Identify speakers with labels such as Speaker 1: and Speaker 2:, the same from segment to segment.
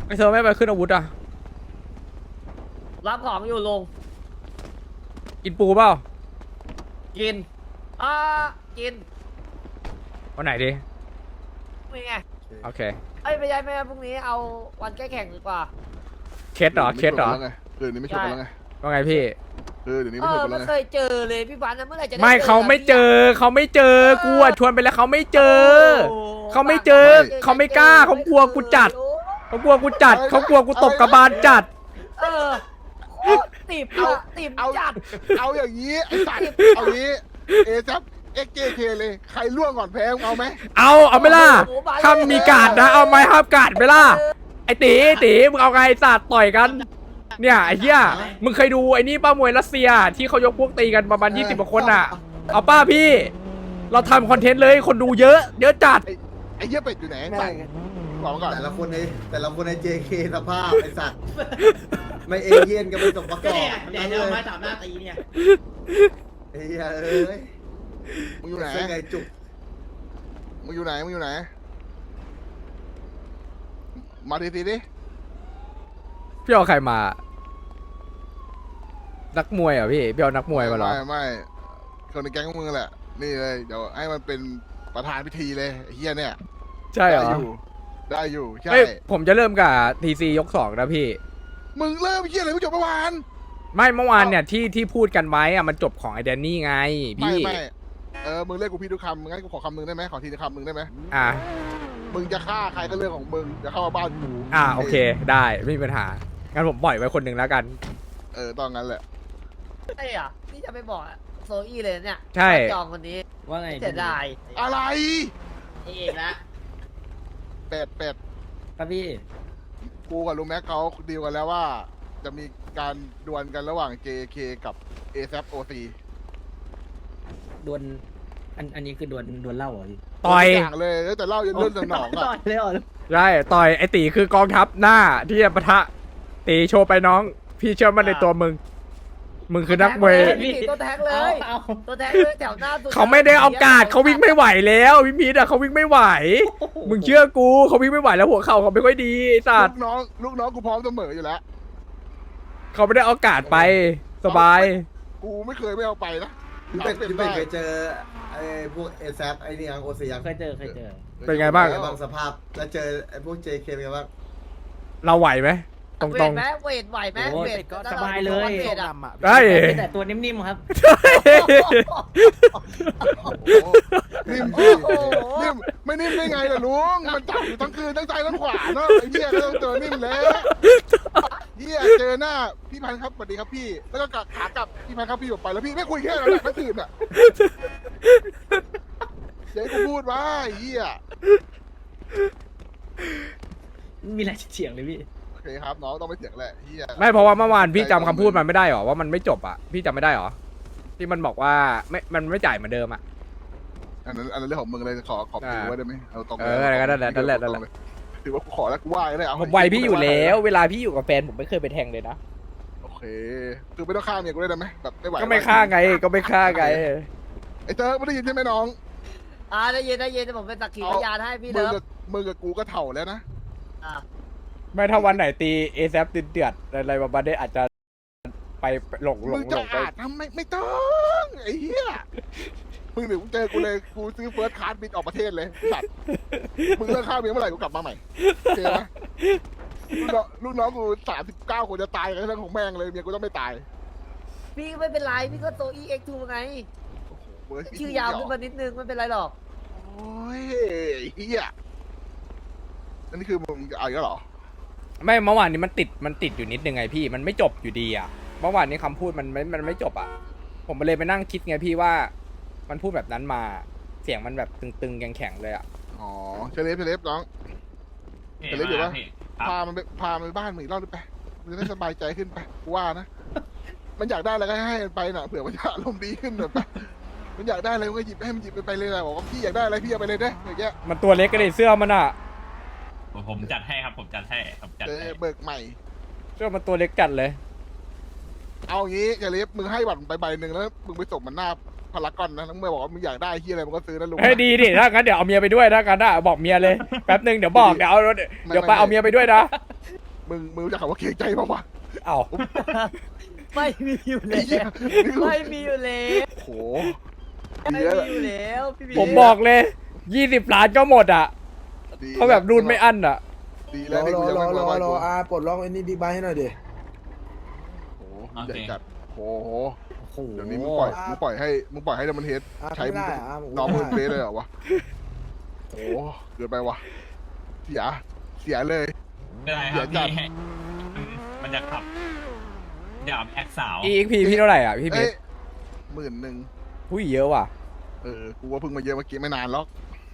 Speaker 1: ไอเธอไม่ไปขึ้นอาวุธอ่ะ
Speaker 2: รับของอยู่ลง
Speaker 1: กินปูเปล่า
Speaker 2: กินอ่ากิน
Speaker 1: วันไหนดี
Speaker 2: นี่ไง
Speaker 1: โอเค
Speaker 2: เอ้ยไม่ใช่พรุ่งนี้เอาวันแก้แข่งดีกว่า
Speaker 1: เคสเหรอเคสเหรอ
Speaker 3: คืนนี้ไม่ชกกันแล้วไง
Speaker 1: ว่าไงพี่
Speaker 3: เดี๋ยวนี้
Speaker 2: เอ
Speaker 3: ไม่ช
Speaker 2: อก
Speaker 3: กันแล้
Speaker 2: ไม่
Speaker 3: วไง
Speaker 2: เคยเจอเลยพี่บันนะเมื่อไหร่จะด้
Speaker 1: ไม่
Speaker 2: จอ
Speaker 1: เขาไม่เจอเขาไม่เจอกูอะชวนไปแล้วเขาไม่เจอ
Speaker 2: โอ้
Speaker 1: เขาไม่เจอเขาไม่กล้าเขากลัวกูจัด เขากลัวกูจัดเขากลัวกูตบกระบาลจัด
Speaker 2: เออโคตรติบอะติบจัด
Speaker 3: เอาอย่างนี้ไอ้สัตว์เอางี้เอซับเอ็กเคเลยใครล่วงก่อนแพ้เอาไหม
Speaker 1: เอาไหม่ล่ะถ้ามีการดนะเอาไหมห้ามการดไหม่ล่ะไอตีมึงเอาไงไอ้สัตว์ต่อยกันเนี่ยไอ้เหี้ยมึงเคยดูไอ้นี่ป้ามวยรัสเซียที่เขายกพวกตีกันประมาณ20กว่าคนอ่ะเอาป้าพี่ เราทำคอนเทนต์เลยคนดูเยอะจัด
Speaker 3: ไอ้เหี้ยเป็ดอยู่ไหนสั่งบอกมาก่อน
Speaker 4: แต่ละคนใน JK สภาพไอ้สัตว์ ไม่เอเย่นกันไม่สมประก
Speaker 5: ก็
Speaker 4: อบ
Speaker 5: เนี่ยเดี๋ยวจะเอาไม้สามหน้าตีเนี่ย
Speaker 4: ไอ้เหี้ยเอ้ย
Speaker 3: มึงอยู่ไหน
Speaker 4: เส้นไงจุก
Speaker 3: มึงอยู่ไหนมาทีดิ
Speaker 1: พี่เอาใครมา นักมวยเหรอพี่เอานักมวยมาเหรอ
Speaker 3: ไม่คนในแก๊งมึงแหละนี่เลยเดี๋ยวให้มันเป็นประธานพิธีเลยไอ้เหี้ยเนี่ย
Speaker 1: ใช่เหรอ
Speaker 3: ได้อยู่ใช่
Speaker 1: เอ้ยผมจะเริ่มกับทีซียก2นะพี่
Speaker 3: มึงเริ่มเหี้ยอะไรไม่จบเมื่อวาน
Speaker 1: ไม่เมื่อวานเนี่ยที่พูดกันไว้อะมันจบของไอแดนนี่ไงพี่
Speaker 3: ไม่มึงเรียกกูพี่ทุกคำงั้นกูขอคำมึงได้ไหมขอทีละคำมึงได้ไหม
Speaker 1: อ่ะ
Speaker 3: มึงจะฆ่าใครก็เรื่องของมึงจะเข้ามาบ้านกู
Speaker 1: โอเคได้ไม่มีปัญหางั้นผมปล่อยไว้คนหนึ่งแล้วกัน
Speaker 3: ต้องงั้นแหละ
Speaker 2: ไอ้อะพี่จะไปบอกโซอี้เลยเนี่ย
Speaker 1: ใช่
Speaker 2: จองคนนี้
Speaker 5: ว่าไง
Speaker 2: เสียดาย
Speaker 3: อะไร
Speaker 5: เอกละ
Speaker 3: เป็ด
Speaker 5: ครับพี่
Speaker 3: กูกับลุงแม็กเขาดีลกันแล้วว่า จะมีการดวลกันระหว่าง JK กับ ASAP OC
Speaker 5: ดวลอันนี้คือดวลเหล้าเหรอพี่
Speaker 1: ต่อย
Speaker 3: ทุกอย่างเลยแล้วแต่เล่ายันเรื่องสนอง
Speaker 5: ต่
Speaker 3: อ่ะ
Speaker 5: อยเลยเหรอ
Speaker 1: ใช่ต่อยไอตีคือกองทัพหน้าที่จะปะทะตีโชว์ไปน้อง พี่เชื่อมั่นในตัวมึงคือนักมวย
Speaker 2: พี่ตัวแท็กเลย
Speaker 5: เอา
Speaker 2: ตัวแท็กเลยแถวหน้าสุด
Speaker 1: เขาไม่ได้เอากาดเขาวิ่งไม่ไหวแล้วพี่พีทอะเขาวิ่งไม่ไหว มึงเชื่อกูเขาวิ่งไม่ไหวแล้วหัวเข่าเขาไม่ค่อยดีไอ้สัตว์
Speaker 3: ลูกน้องกูพร้อมเสมออยู่แล้ว
Speaker 1: เขาไม่ได้เอากาดไปสบาย
Speaker 3: กูไม่เคยไม่เอาไปนะ
Speaker 4: พี่เป็ดเคยเจอไอ้พวกเอซไอ้นี่ยังโอซียัง
Speaker 5: เคยเจอ
Speaker 1: เป็นไงบ้าง
Speaker 4: ไอ้บางสภาพแล้วเจอไอ้พวก JK เป็นไงบ้าง
Speaker 1: เราไหวไหมตรง
Speaker 2: เวทไหมเวทไหวไหม
Speaker 5: โอ้
Speaker 2: เวย ท
Speaker 5: ก็สบายเลย
Speaker 2: เวทอะ
Speaker 1: ๆได้
Speaker 5: แต่ตัวนิ่มๆครับ
Speaker 3: นิ่ม
Speaker 2: โอ้
Speaker 3: ดิ
Speaker 2: โห
Speaker 3: นิ่มไม่นิ่มได้ไงล่ะลุงมันจับอยู่ทั้งคืนทั้งซ้ายทั้งขวาเนาะไอ้เหี้ยก็ต้องเจอนิ่มแล้วเหี้ยเจอหน้าพี่พันธุ์ครับสวัสดีครับพี่แล้วก็ขากลับพี่พันธุ์ครับพี่ออกไปแล้วพี่ไม่คุยแค่นั้นแหละทั้งคืนอ่ะเดี๋ยวให้กูพูดว่าไอ้เหี้ย
Speaker 5: มีอะไรเฉียงเลยพี่
Speaker 3: โอเคครับน้องต้องไม่เสียงแหละเหี้ย
Speaker 1: ไม่เพราะว่าเมื่อวานพี่จำคำพูดมันไม่ได้หรอว่ามันไม่จบอ่ะพี่จำไม่ได้หรอที่มันบอกว่ามันไม่จ่ายเหมือนเดิมอ่ะ
Speaker 3: อันนั้นเรื่องของมึงเลยขอถือไว้ได้ไหมเอาตรง
Speaker 1: นั่นแหละ
Speaker 3: ถือว่ากูขอแล้วกูไหว้เลยเอา
Speaker 1: ผมไวพี่อยู่แล้ว เวลาพี่อยู่กับแฟนผมไม่เคยไปแทงเลยนะ
Speaker 3: โอเคคือไม่ต้องฆ่าเมียกูได้ไหมแบบไม่ไหว
Speaker 1: ก็ไม่ฆ่าไงก็ไม่ฆ่าไง
Speaker 3: ไอ้เจ้าไม่ได้ยินใช่ไหมน้อง
Speaker 2: ได้ยินแต่ผมเป็นสักขีพยานให้พี่
Speaker 3: มึ
Speaker 2: เลิ
Speaker 3: ง
Speaker 2: ฟ
Speaker 3: กับมึงกับกูก็เถ่าแล้วนะ
Speaker 2: อ่ะ
Speaker 1: ไม่ถ้าวันไหนตีเอซเดือดอะไรประมาณนี้อาจจะไปหลง
Speaker 3: มึงจะ
Speaker 1: ไป
Speaker 3: อาจทำไม่ต้องไอ้เหี้ยมึงเดี๋ยวมึงเจอกูเลยกูซื้อเฟิร์สคลาสบินออกประเทศเลยสัตว์มึงเลิกฆ่าเมียเมื่อไหร่กูกลับมาใหม่โอเคไหมลูกน้องกู39 คนจะตายกันเรื่องของแม่งเลยเมียกูต้องไม่ตาย
Speaker 2: พี่ก็ไม่เป็นไรพี่ก็โซอี้เอ็กทูไง
Speaker 3: เว้ย
Speaker 2: ชื่อยาวขึ้นมานิดนึงไม่เป็นไรหรอก
Speaker 3: โอ้ยเฮียอันนี้คือมึงเอาอีกแล้วเหรอ
Speaker 1: ไม่เมื่อวานนี้มันติดอยู่นิดนึงไงพี่มันไม่จบอยู่ดีอ่ะเมื่อวานนี้คำพูดมันไม่จบอ่ะผมเลยไปนั่งคิดไงพี่ว่ามันพูดแบบนั้นมาเสียงมันแบบตึงๆแข็งๆเลยอ่ะ
Speaker 3: อ๋อเชเลฟน้องเชเลฟอยู่ปะพามันไปบ้านมึงอีกรอบได้ไปมึงจะได้สบายใจขึ้นไปกูว่านะ มันอยากได้อะไรก็ให้มันไปน่ะเผื่อมันจะอารมณ์ดีขึ้นหน่อยไปมันอยากได้อะไรมันก็หยิบให้มันหยิบไปเลยนะบอกว่าพี่อยากได้อะไรพี่เอาไปเลยได้อย่างเงี้ย
Speaker 1: มันตัวเล็กก็เลยเสื้อมันอ่ะ
Speaker 6: ผมจัดให้ครับ ผมจัดให้ผมจัด
Speaker 3: เอ
Speaker 6: ให้
Speaker 3: อเบิกใหม่
Speaker 1: เสื้อมันตัวเล็กจัดเลย
Speaker 3: เอางี้เชเลฟมึงให้บัตรไปใบหนึ่งแล้วมึงไปส่งมันหน้าพารากอนนะแล้วมึงบอกว่ามึงอยากได้ที่อะไรมึงก็ซื้อนะลุง
Speaker 1: เฮ้ยดีดิถ้างั้นเดี๋ยวเอาเมียไปด้วยถ้างั้นอ่ะบอกเมียเลยแป๊บนึงเดี๋ยวบอกเดี๋ยวไปเอาเมียไปด้วยนะ
Speaker 3: มึงรู้จักคำว่าเกรงใจป่าววะ
Speaker 1: เอ้า
Speaker 2: ไม่มีอยู่
Speaker 3: ไอ้
Speaker 2: แล้
Speaker 3: เหี้ยว
Speaker 2: ไม่มีอยู่แล้ว
Speaker 3: โห
Speaker 2: ไม่
Speaker 3: ดีแล้ว
Speaker 2: มีอยู่แล้วพี่บี
Speaker 1: ผมบอกเลย20 ล้านก็หมดอ่ะ
Speaker 3: ดี
Speaker 1: เขาแบบรูนไม่อั้นอ่ะ
Speaker 3: ดี
Speaker 7: ร
Speaker 3: แล้ว
Speaker 7: อ
Speaker 3: ที่
Speaker 7: ร
Speaker 3: กู
Speaker 7: อ
Speaker 3: ยัง
Speaker 7: รอ
Speaker 3: ไม่
Speaker 7: รอ
Speaker 3: มาร
Speaker 7: อปลดล็อกไอ้นี่บิ๊กไบค์ให้หน่อยดิ
Speaker 3: โอ้โหใหญ่จัดโห
Speaker 5: โอ้โห
Speaker 3: เดี๋ยวนี้มึงปล่อยให้ดัมเบิลเฮด
Speaker 7: อ่ะ
Speaker 3: ใช้
Speaker 7: ไม่ได้อ่ะผม
Speaker 3: น้องมึง
Speaker 7: ไม่
Speaker 3: เฟ
Speaker 7: ได้
Speaker 3: สเลยเหรอวะโอ้เกินไปวะเสียเลย
Speaker 6: ไม่เป็นไรครับ
Speaker 3: เดี๋ยวจั
Speaker 6: พี่
Speaker 3: ด
Speaker 6: ให้มันจะขับเดี๋ยวแอคสาว
Speaker 1: EXP พี่เท่าไหร่อ่ะพี่เพ
Speaker 3: เอ้
Speaker 1: ช
Speaker 3: ย
Speaker 1: ร
Speaker 3: 10,000
Speaker 1: ผู้ยเยอะว่ะ
Speaker 3: กูว่าเพิ่งมาเยอะเมื่อกี้ไม่นานหรอก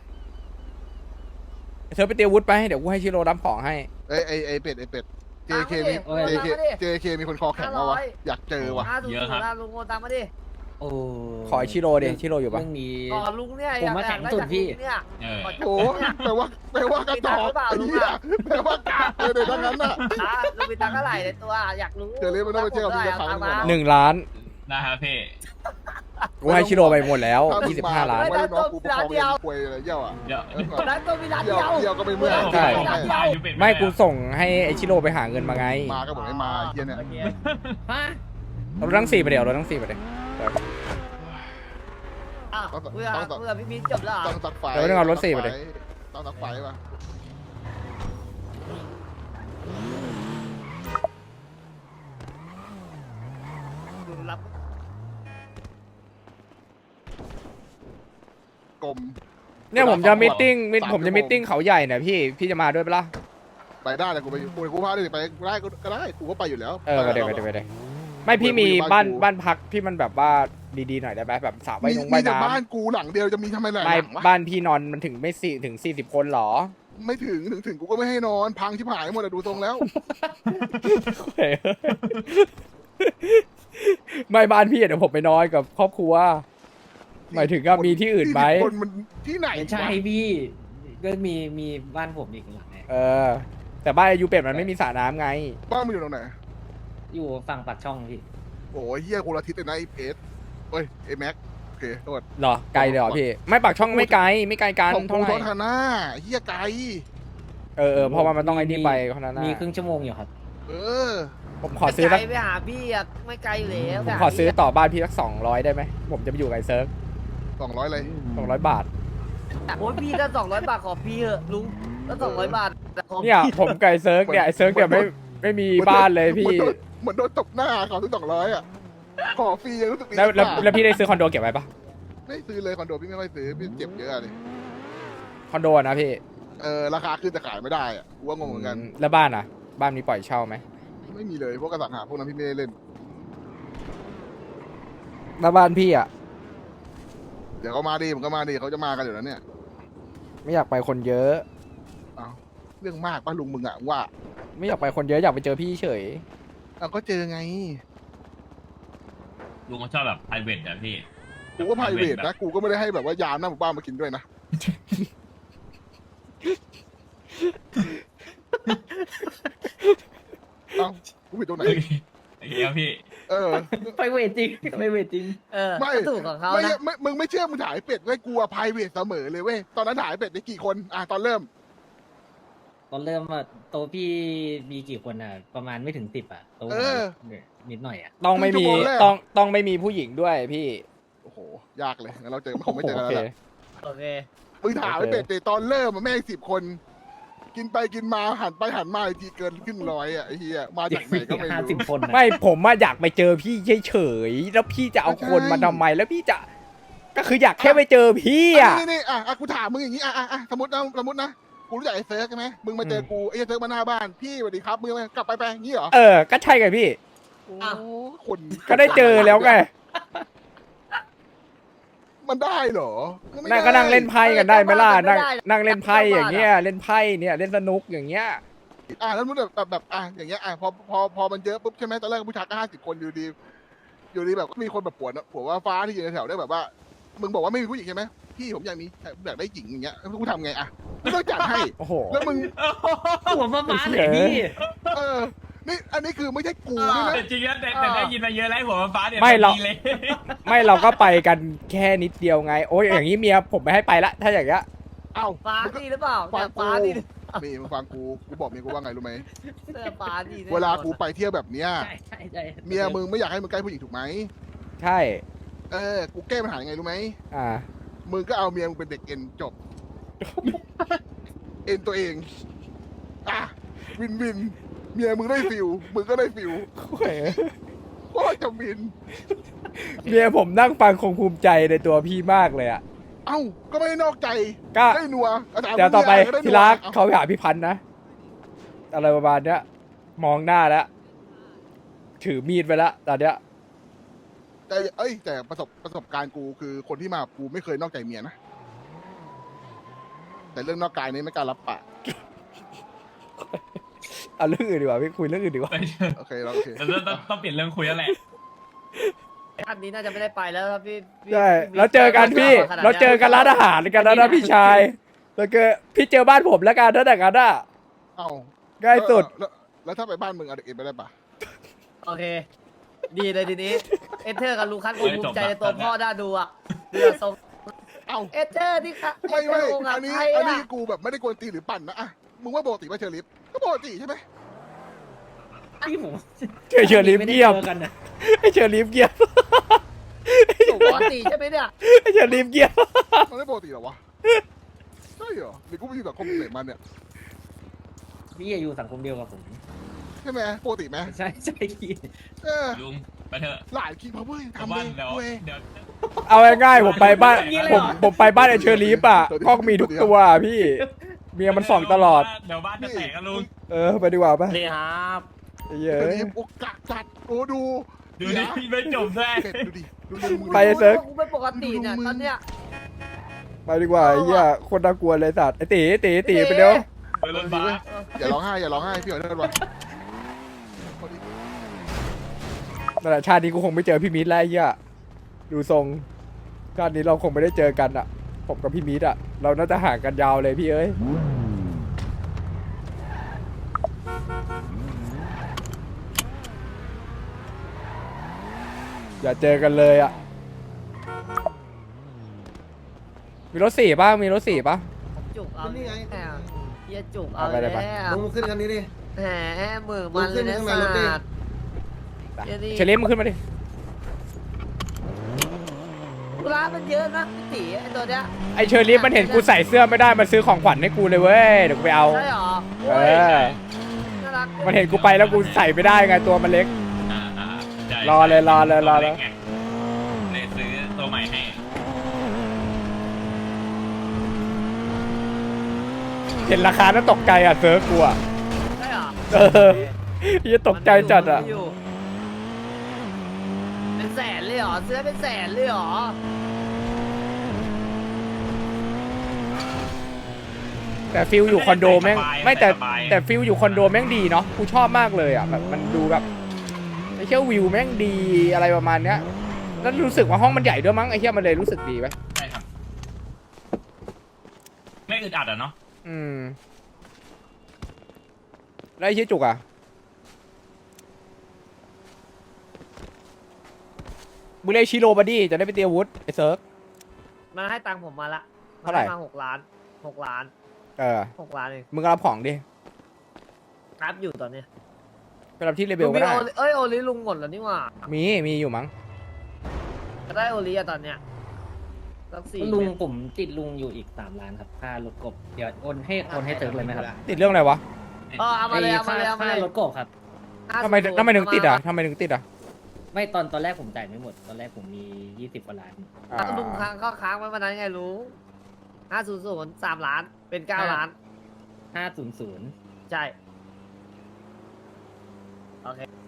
Speaker 1: เธอไปเตรียมวุฒิไปเดี๋ยวกูให้ชิโร่รับของให้
Speaker 3: ไอเป็ด JK มี JK มีคนคอแข็งมาวะอยากเจอวะ
Speaker 2: 50ลุงโอนตังมาดิ
Speaker 5: โอ้
Speaker 1: ขอไอ้ชิโร่ดิชิโร่อยู่ปะ
Speaker 5: เรื่องนี้
Speaker 2: ก่อนลุงเนี่ย
Speaker 5: ผมมาแข็งสุดพี่
Speaker 2: เนี่ย
Speaker 6: เออ
Speaker 3: โอ้แปลว่ากระจอกไอ้เหี้ยแปลว่ากากเลยทั้งนั้นน่ะ
Speaker 2: ลุงมีตังค์เท่าไหร่ในตัวอยากรู้
Speaker 3: เดี๋ยวเรียกมันต้องไปเช็คกับพี่จะฟังก่อน
Speaker 1: 1 ล้าน
Speaker 6: นะครับพี่
Speaker 1: กูให้ชิโร่ไปหมดแล้ว25 ล้าน
Speaker 3: ไม่ได้น้องกูประคองเองป่วยอะไรเยี่ยวอ่ะ
Speaker 6: เดี๋ยว
Speaker 2: ร้านตัวมีร้านเดียว
Speaker 3: เยี่ยวก็ไม่เมื่อย
Speaker 1: ใช่
Speaker 6: อายุเป็น
Speaker 1: ไม่กูส่งให้ไอชิโร่ไปหาเงินมาไง
Speaker 3: มาก็บอกให้มาเยี่ยเนี่ย
Speaker 5: ฮะ
Speaker 1: เราทั้ง4ไปเดี๋ยวเราทั้ง4ไปเดี๋ยว
Speaker 2: เพื่อพี่มิ้นจบแล้ว
Speaker 3: ต้องสักไฟต้องสักไฟป่ะ
Speaker 2: รับ
Speaker 3: กลม
Speaker 1: เนี่ยผมจะมิทติ้งผมจะมิทติ้งเขาใหญ่เนี่ยพี่จะมาด้วยปะล่ะ
Speaker 3: ไปได้เลยกูพาดิไปได้ก็ได้กูก็ไปอยู่แล้ว
Speaker 1: ไปเดี๋ยวไม่พี่มีบ้านพักที่มันแบบว่าดีๆหน่อยได้ไหมแบบสระว่าย
Speaker 3: มีแต่
Speaker 1: น้ำ
Speaker 3: บ้านกูหลังเดียวจะมีทำไมหลายห
Speaker 1: ไม่
Speaker 3: ลังวะ
Speaker 1: บ้านพี่นอนมันถึงไม่ถึง40 คนหรอ
Speaker 3: ไม่ถึงกูก็ไม่ให้นอนพังชิบหายหมดอะดูทรงแล้ว
Speaker 1: ไม่บ้านพี่เดี๋ยวผมไปนอนกับครอบครัวหมายถึงก็มีที่อื่นไหม
Speaker 3: คนมันที่ไหน
Speaker 5: ไม่ใช่พี่ก็มีบ้านผมอีกหลังเนี่ย
Speaker 1: แต่บ้านอายุเป็ดมันไม่มีสระน้ำไง
Speaker 3: บ้านมันอยู่ตรงไหน
Speaker 5: อยู่ฝั่งปากช่องพี่
Speaker 3: โอ้ยเฮียคนละทิศเลยนะไอ้เพชรเฮ้ยไอ้แม็กโอเคโทษ
Speaker 1: เหรอไกลเลยเหรอพี่ไม่ปากช่องไม่ไกลกัน
Speaker 3: ของ
Speaker 1: เท่า
Speaker 3: กู
Speaker 1: ไห
Speaker 3: ท
Speaker 1: ร่
Speaker 3: อทาน่าเฮียไกล
Speaker 1: เพราะว่ามันต้องไอ้นี่ไปเท่านั้นนะ
Speaker 5: มีครึ่งชั่วโมงอยู่ครับ
Speaker 3: เออ
Speaker 1: ผมขอซื้อ
Speaker 2: ไก
Speaker 1: สั
Speaker 2: ล
Speaker 1: ก
Speaker 2: ไปหาพี่อ่ะไม่ไกลอยู่แล้ว
Speaker 1: ผมขอซื้อต่อบ้านพี่สัก200ได้ไหมผมจะไปอยู่กับไอ้เซิร์ฟ
Speaker 3: 200เลย
Speaker 1: 200 บาท
Speaker 2: โอ้ยพี่ถ้า200 บาทขอพี่เถอะลุงถ้า200 บาทขอ
Speaker 1: เนี่ยผมกับไอ้เซิร์ฟเนี่ยไอ้เซิร์ฟเนี่ยไม่มีบ้านเลยพี่
Speaker 3: เหมือนโดนตบหน้าเขาซื้อ200อ่ะขอฟรียังรู้สึกดี
Speaker 1: แล้วพี่ได้ซื้อคอนโดเก็บไว้ปะ
Speaker 3: ไม่ซื้อเลยคอนโดพี่ไม่ค่อยซื้อพี่เจ็บเยอะเลย
Speaker 1: คอนโดนะพี่
Speaker 3: ราคาขึ้นแต่ขายไม่ได้อ่ะกูว่างงเหมือนกัน
Speaker 1: แล้วบ้านอ่ะ บ้านมีปล่อยเช่าไหม
Speaker 3: ไม่มีเลยพวกกระสังหาพวกนั้นพี่ไม่ได้เล่น
Speaker 1: แล้วบ้านพี่อ่ะ
Speaker 3: เดี๋ยวเขามาดิผมก็มาดิเขาจะมากันอยู่แล้วเนี่ย
Speaker 1: ไม่อยากไปคนเยอะ
Speaker 3: เอาเรื่องมากป้าลุงมึงอ่ะว่า
Speaker 1: ไม่อยากไปคนเยอะอยากไปเจอพี่เฉย
Speaker 3: เอาก็เจอไง
Speaker 6: ลุงเขาชอบแบบ private อะพี่
Speaker 3: กูก็ไพรเวทนะกูก็ไม่ได้ให้แบบว่ายามหน้าหมู่บ้านมากินด้วยนะเอ้ากูผิดตรงไหน
Speaker 6: โอเคครับพี่
Speaker 5: ไปเวทจริงไปเวทจริง
Speaker 3: ไม่
Speaker 2: ถูกของเขา
Speaker 3: ไม่
Speaker 2: นะ
Speaker 3: มึงไม่เชื่อมึงถ่ายเป็ดเว้ยกูอะไพรเวทเสมอเลยเว้ยตอนนั้นถ่ายเป็ดได้กี่คนตอนเริ่ม
Speaker 5: ตอนเริ่มอะโตะพี่มีกี่คนอะประมาณไม่ถึง10อะโตะนิดหน่อยอะ
Speaker 1: ต้องไม่มี
Speaker 3: ครึ่งชั่วโมงแรก
Speaker 1: ต้องไม่มีผู้หญิงด้วยพี่
Speaker 3: โอ้โหยากเลยงั้นเราเจอคงไม่เจอกันแล้วแหละ
Speaker 2: โอเค
Speaker 3: มึงถ่ายไว้เป็ดแต่ตอนเริ่มอะแม่ง10 คน กินไปกินมาหันไปหันมาอีกทีเกินขึ้น100อ่ะไอ้เหี้ยมาจากไหนก็ไม่
Speaker 5: 50
Speaker 3: รู้
Speaker 5: คนอะ
Speaker 1: ไม่ผมอะอยากไปเจอพี่เฉยๆแล้วพี่จะเอาคนมาทำไมแล้วพี่จะ ก็คืออยากแค่ไปเจอพี่อะ
Speaker 3: นี่กูถามมึงอย่างนี้สมมตินะกูรู้จักไอ้เซิร์กใช่ไหมมึงมาเจอกูไอ้เซิร์กมาหน้าบ้านพี่สวัสดีครับมึงกลับไปอย่างนี้เหรอ
Speaker 1: ก็ใช่ไงพี่
Speaker 3: โอ้คน
Speaker 1: ก็ได้เจอแล้วไง
Speaker 3: มันได้เหรอไม่
Speaker 1: นั่ง
Speaker 3: ได้
Speaker 1: ก็นั่งเล่นไพ่กันได้ไหมล่ะ
Speaker 2: ไม่ได้
Speaker 1: นั่งเล่นไพ่อย่างเงี้ยเล่นไพ่เนี่ยเล่นสนุกอย่างเงี้ย
Speaker 3: แล้วมึงแบบอย่างเงี้ยพอมันเยอะปุ๊บใช่ไหมตอนแรกผู้ชายก็50 คนอยู่ดีแบบมีคนแบบผัวว่าฟ้าที่อยู่ในแถวได้แบบว่า มึงบอกว่าไม่มีผู้หญิงใช่ไหมพี่ผมอยากมีอยากได้หญิงอย่างเงี้ยกูทำไงกูต้องจัดให้
Speaker 1: โอ้โห
Speaker 3: แล้วมึง
Speaker 5: หัวมาบ้านไหนพี่
Speaker 3: นี่อันนี้คือไม่ใช่กูนี่นะ
Speaker 6: แต่จริงๆแต่ได้ยินมาเยอะแล้วหัวฟ้าเนี่ย
Speaker 1: ไม่หรอก
Speaker 6: ดีเลย
Speaker 1: ไม่เราก็ไปกันแค่นิดเดียวไง โอ้ยอย่างนี้เมียผมไม่ให้ไปละถ้าอย่างเงี้ย
Speaker 3: เอ้า
Speaker 2: ฟ้า
Speaker 3: มึงก็
Speaker 2: นี่หรือเปล่า
Speaker 3: ฟ้า
Speaker 2: ฟ้านี่
Speaker 3: นี่มึงฟังกูบอกเมียกูว่าไงรู้ไหม
Speaker 2: เสื้อฟ้าดีแน่
Speaker 3: เวลากูไปเที่ยวแบบเนี้ย
Speaker 5: ใช่ใช่ใช่
Speaker 3: เมียมึงไม่อยากให้มึงใกล้ผู้หญิงถูกไหม
Speaker 1: ใช่
Speaker 3: กูแก้ปัญหายังไงรู้ไหม
Speaker 1: อ่า
Speaker 3: มึงก็เอาเมียมึงเป็นเด็กเอ็นจบ เอ็นตัวเอง อ่ะ วินวิน เมียมึงได้ฟิลมึงก็ได้ฟิลโคตรจะวิน
Speaker 1: เมียผมนั่งฟังคงภูมิใจในตัวพี่มากเลยอ่ะ
Speaker 3: เอ้า ก็ไม่ได้นอกใจ
Speaker 1: ก็
Speaker 3: ได้นัวาจารย์
Speaker 1: เดี๋ยวต่อไป
Speaker 3: ก็ด้นัว
Speaker 1: ทีรัก
Speaker 3: เอ้า
Speaker 1: เขาไปหาพี่พันธ์นะ อะไรประมาณเนี้ย มองหน้าแล้ว ถือมีดไปแล้วตอนเนี้ย
Speaker 3: แต่ประสบการณ์กูคือคนที่มากับกูไม่เคยนอกใจเมียนะ แต่เรื่องนอกกายนี่ไม่กล้ารับปาก
Speaker 1: เอาเรื่องอื่นดีกว่าพี่คุยเรื่องอื่นดีกว่า
Speaker 6: ไปเถอะ
Speaker 3: โอเคเราโอเค
Speaker 6: ต้องเปลี่ยนเรื่องคุยแล้วแหละ
Speaker 2: อันนี้น่าจะไม่ได้ไปแล้วครับพี่
Speaker 1: ใช่แล้วเจอกันพี่ เราเจอกันร้านอาหารกันแล้วนะพี่ชายแล้วก็พี่เจอบ้านผมแล้วกันนั่นแหละกันอ่ะ
Speaker 3: เอ้า
Speaker 1: ง่ายสุด
Speaker 3: แล้วถ้าไปบ้านมึงเอาเด็กเอ็นไปได้ปะ
Speaker 2: โอเค ดีเลยทีนี้เอเธอร์กับลูคัสกูภูมิใจในตัว
Speaker 6: จบละ
Speaker 2: พ่อน่าดูอ่ะเรือทรง
Speaker 3: เอ้า
Speaker 2: เอเธอร์ที่ค่ะ
Speaker 3: ไม่
Speaker 2: เอเธอร์องค์
Speaker 3: อั
Speaker 2: อ่ะ
Speaker 3: นนี้
Speaker 2: ไทย
Speaker 3: อันนี้
Speaker 2: อ่ะ
Speaker 3: กูแบบไม่ได้กวนตีนหรือปั่นนะอะมึงว่าปกติป่ะเชอริฟก็ปกติใช่ไหม
Speaker 5: ที่ผม
Speaker 1: เชอรีฟเงียบ
Speaker 5: ไม่ได้จอกันนะ
Speaker 1: ไอเชอรีฟเงียบ
Speaker 2: ปกติใช่ไหมเนี่ย
Speaker 1: ไอเชอรีฟเงียบ
Speaker 3: มันไม่ปกติเหรอวะใช่เหรอหรือกูไปอยู่สังคมไหนมาเนี่ย
Speaker 5: พี่อยู่สังคมเดียวกับผม
Speaker 3: ใช่ไหมปกติไหม
Speaker 5: ใช่ใช่พี่
Speaker 3: เออ
Speaker 6: ลุงไปเถอะ
Speaker 3: หลายคิงพาวเวอร์
Speaker 6: ชาว
Speaker 3: ทำ
Speaker 6: บ้า
Speaker 3: เล
Speaker 6: น
Speaker 3: ย
Speaker 6: เดี๋ยว
Speaker 3: เว้ย
Speaker 6: เดี๋ยว
Speaker 1: เอาง่ายๆผมไปบ้านผมไปบ้านไอเชอรีฟอ่ะกล้องมีทุกตัวอะพี่ เมียมันส่องตลอด
Speaker 6: เดี๋ยวบ้านจะแตกกันลุง
Speaker 1: ไปดีกว่าปะ
Speaker 5: นี่ครับ
Speaker 1: ไอ้เหี้ย
Speaker 3: เชอริฟโอกาสจัดโอ้ดู
Speaker 6: ดูดิไม่จบด้วย
Speaker 3: เผ็ดดูดิดูดิมึง
Speaker 1: ไปเซิร์ฟ
Speaker 2: กูไม่ปกติเนี่ยตอนเนี้ย
Speaker 1: ไปดีกว่าไอ้เหี้ยคนน่ากลัวเลยสัตว์ไอตีไปเดี๋ยว
Speaker 6: ไปรถบัส
Speaker 3: อย่าร้องไห้อย่าร้องไห้พี่ขอโทษว่ะ
Speaker 1: นั่นแหละชาตินี้กูคงไม่เจอพี่มิตรแล้วไอ้เหี้ยดูทรงชาตินี้เราคงไม่ได้เจอกันอ่ะ ผมกับพี่มิตรอ่ะ เราน่าจะห่างกันยาวเลยพี่เอ้ยอย่าเจอกันเลยอ่ะมีรถสี่ป่ะมีรถสี่ป่ะ
Speaker 2: จุกเอา
Speaker 4: นี่ไง
Speaker 2: แหมเฮียจุกเอา
Speaker 1: เอาไป
Speaker 2: แล้
Speaker 1: เล
Speaker 2: วย
Speaker 1: ปะ
Speaker 4: ลงขึ้นคันนี้ดิ
Speaker 2: แหมมือมันเลยนะ
Speaker 4: ลงขึ้นข้างในรถดิ
Speaker 2: สัตว์ เดี๋ยวดิ
Speaker 1: เชลิมมึงขึ้นมาดิ
Speaker 2: ร้านมันเยอะนะพี่ตีไอตัวเนี้ย
Speaker 1: ไอเชอรี่มันเห็นกูใส่เสื้อไม่ได้มันซื้อของขวัญให้กูเลยเว้ยเดี๋ยวกูไปเอา
Speaker 2: ใช่หรอ
Speaker 1: เอ
Speaker 2: โอ้ย
Speaker 1: อ
Speaker 2: น่ารัก
Speaker 1: มันเห็นกูไปแล้วกูใส่ไม่ได้ไงตัวมันเล็ก
Speaker 6: ใช่
Speaker 1: รอเลย
Speaker 6: เลยซื้อตัวใหม่ให้
Speaker 1: เห็นราคาแล้วตกใจอ่ะเซิร์ฟกูอ่ะ
Speaker 2: ใช่หรอ
Speaker 1: เออยี่ตกใจจัดอ่ะ
Speaker 2: มันยู่เป็นแสนเลยเหรอเสื้อเป็นแสนเลยเหรอ
Speaker 1: แต่ฟิลอยู่คอนโดแม่งไม่แต่ฟิลอยู่คอนโดแม่งดีเนาะกูชอบมากเลยอ่ะแบบมันดูแบบไอ้เชี่ยวิวแม่งดีอะไรประมาณเนี้ยแล้วรู้สึกว่าห้องมันใหญ่ด้วยมั้งไอ้เชี่ยมันเลยรู้สึกดีไหม
Speaker 6: ใช่ครับไม่อึดอัดอ่ะเนาะ
Speaker 1: อืมแล้วไอ้เชี่ยจุกอ่ะมึงเรียกชิโร่บัดดี้จะได้ไปเตรียมอาวุธไอ้เซิร์ฟ
Speaker 2: มันให้ตังค์ผมมาละ
Speaker 1: เท่าไหร่
Speaker 2: มา6 ล้าน6 ล้าน
Speaker 1: เออ
Speaker 2: 6 ล้านเอง
Speaker 1: มึงก็รับของดิ
Speaker 2: รับอยู่ตอนเนี้ย
Speaker 1: ไปรับที่เรเบลก็ได้
Speaker 2: เอ้ยโอลิลุงหมดแล้วนี่หว่า
Speaker 1: มีอยู่มั้ง
Speaker 2: จะได้โอลิอะตอนเนี้ยสัก4
Speaker 5: ลุง
Speaker 2: เม็ด
Speaker 5: ผมติดลุงอยู่อีก3 ล้านครับค่ารถกบเดี๋ยวโอนให้เติมเลยไหมครับ
Speaker 1: ติดเรื่องอะไรวะ
Speaker 2: เอามาเลยเอามาเลยเอามา
Speaker 5: ค่า
Speaker 2: เลย
Speaker 5: รถกบครับ
Speaker 1: ทำไมถึงติดอ่ะทำไมถึงติดอ่ะ
Speaker 5: ไม่ตอนแรกผมจ่ายไม่หมด ตอนแรกผมมี20 กว่าล้าน
Speaker 2: แล้วลุงค้างก็ค้างไว้วันนั้นไงลุง500 3 ล้านเป็น9 ล้าน
Speaker 5: 500
Speaker 2: ใช่ โอเค